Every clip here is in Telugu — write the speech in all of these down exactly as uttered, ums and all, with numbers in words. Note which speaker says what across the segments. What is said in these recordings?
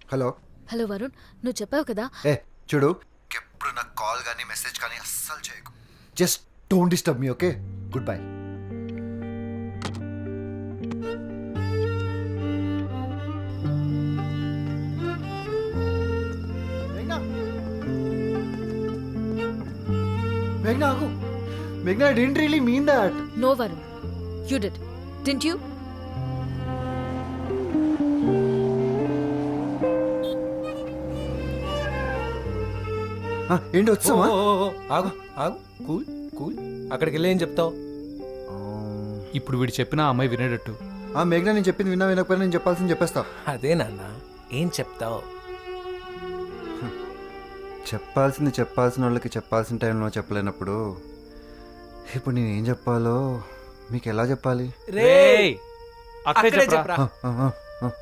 Speaker 1: హలో
Speaker 2: హలో వరుణ్, నువ్వు చెప్పావు కదా.
Speaker 1: ఏ చూడు, ఎప్పుడు నాకు కాల్ కానీ మెసేజ్ కానీ అస్సలు చేయకు. Just don't disturb me, okay? Good bye. మేఘ్నా ఆగు. మేఘ్నా, I didn't really mean that.
Speaker 2: No Varun, you did, didn't you?
Speaker 1: ఏంటి వచ్చావా?
Speaker 3: ఆగు ఆగు, కూల్ కూల్. అక్కడికి వెళ్ళి ఏం చెప్తావు?
Speaker 4: ఇప్పుడు వీడు చెప్పిన ఆ అమ్మాయి వినేటట్టు.
Speaker 1: ఆ మేఘ్నా, నేను చెప్పింది విన్నా వినకపోయినా నేను చెప్పాల్సింది చెప్పేస్తా.
Speaker 3: అదే నాన్న, ఏం చెప్తావు?
Speaker 1: చెప్పాల్సింది చెప్పాల్సిన వాళ్ళకి చెప్పాల్సిన టైంలో చెప్పలేనప్పుడు ఇప్పుడు నేను ఏం చెప్పాలో మీకు ఎలా చెప్పాలి?
Speaker 4: రేయ్, అక్కడే
Speaker 3: అక్కడే
Speaker 4: చెప్పరా.
Speaker 3: చెప్పరా.
Speaker 1: ఆ, ఆ, ఆ.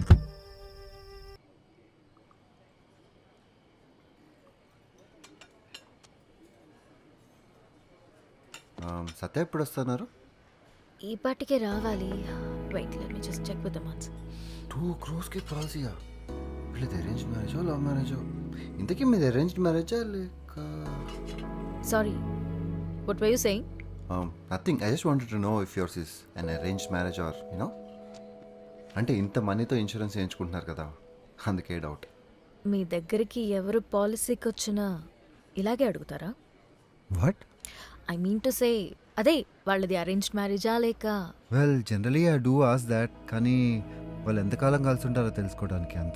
Speaker 1: ఆ, సత్య ఎప్పుడు వస్తున్నారు?
Speaker 2: ఈ పాటికే రావాలి. Wait, let me just check with the months.
Speaker 1: Two క్రోర్స్కి పాలసీయా? వీళ్ళది అరేంజ్ మ్యారేజో లవ్ మ్యారేజో? ఇంతకీ మీది అరేంజ్డ్ మ్యారేజా లేక?
Speaker 2: Sorry, what were you saying?
Speaker 1: Nothing, I just wanted to know if yours is an arranged marriage or you know. అంటే ఇంత మనీతో ఇన్సూరెన్స్ చేయించుకుంటున్నారు కదా, అందుకే డౌట్.
Speaker 2: మీ దగ్గరికి ఎవరు పాలసీకి వచ్చినా ఇలాగే అడుగుతారా?
Speaker 1: What?
Speaker 2: I mean to say, అదే వాళ్ళది అరేంజ్డ్ మ్యారేజా లేక?
Speaker 1: Well, generally I do ask that, కానీ వాళ్ళు ఎంతకాలం కలిసి ఉంటారో తెలుసుకోవడానికి అంతే.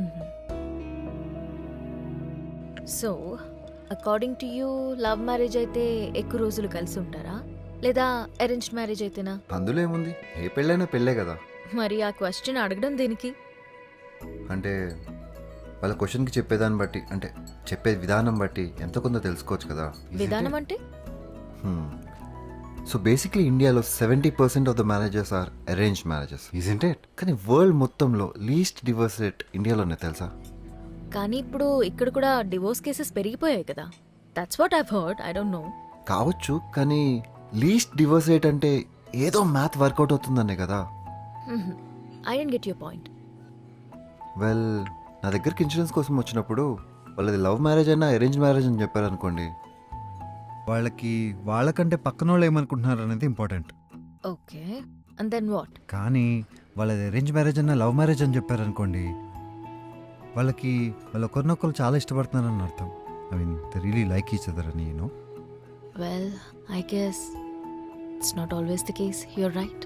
Speaker 2: So according to you love marriage అయితే ఎక్కువ రోజులు కలిసి ఉంటారా, లేదా అరేంజ్డ్ మ్యారేజ్ అయితేనా?
Speaker 1: అందులో ఏముంది, ఏ పెళ్ళైనా పెళ్ళే కదా.
Speaker 2: మరి ఆ క్వశ్చన్ అడగడం దేనికి?
Speaker 1: అంటే వాళ్ళ క్వశ్చన్కి చెప్పేదాన్ని బట్టి, అంటే చెప్పే విధానం బట్టి ఎంతో కొంత తెలుసుకోవచ్చు కదా.
Speaker 2: విధానం అంటే?
Speaker 1: సో బేసిక్లీ ఇండియాలో seventy percent of the marriages are arrange marriages, isn't it? కానీ వరల్డ్ మొత్తంలో లీస్ట్ డివోర్స్ రేట్ ఇండియాలోనే, తెలుసా?
Speaker 2: కానీ ఇప్పుడు ఇక్కడ కూడా డివోర్స్ కేసెస్ పెరిగిపోయాయి కదా. That's what I've heard, I don't know.
Speaker 1: కావచ్చు, కానీ లీస్ట్ డివోర్స్ రేట్ అంటే ఏదో మ్యాథ్ వర్కౌట్ అవుతుందనే కదా.
Speaker 2: I don't get your point.
Speaker 1: Well, నా దగ్గరికి ఇన్సూరెన్స్ కోసం వచ్చినప్పుడు వాళ్ళది లవ్ మ్యారేజ్ అయినా అరేంజ్ మ్యారేజ్ అని చెప్పారు అనుకోండి, వాళ్ళకి వాళ్ళకంటే పక్కన వాళ్ళు ఏమనుకుంటున్నారు అనేది important.
Speaker 2: Okay, and then what?
Speaker 1: కానీ వాళ్ళది అరేంజ్ మ్యారేజ్ అయినా లవ్ మ్యారేజ్ అని చెప్పారు అనుకోండి, వాళ్ళకి వాళ్ళు ఒకరినొకరు చాలా ఇష్టపడుతున్నారని అర్థం. I mean they really like each other అని, you know.
Speaker 2: Well, I guess it's not always the case. You're right.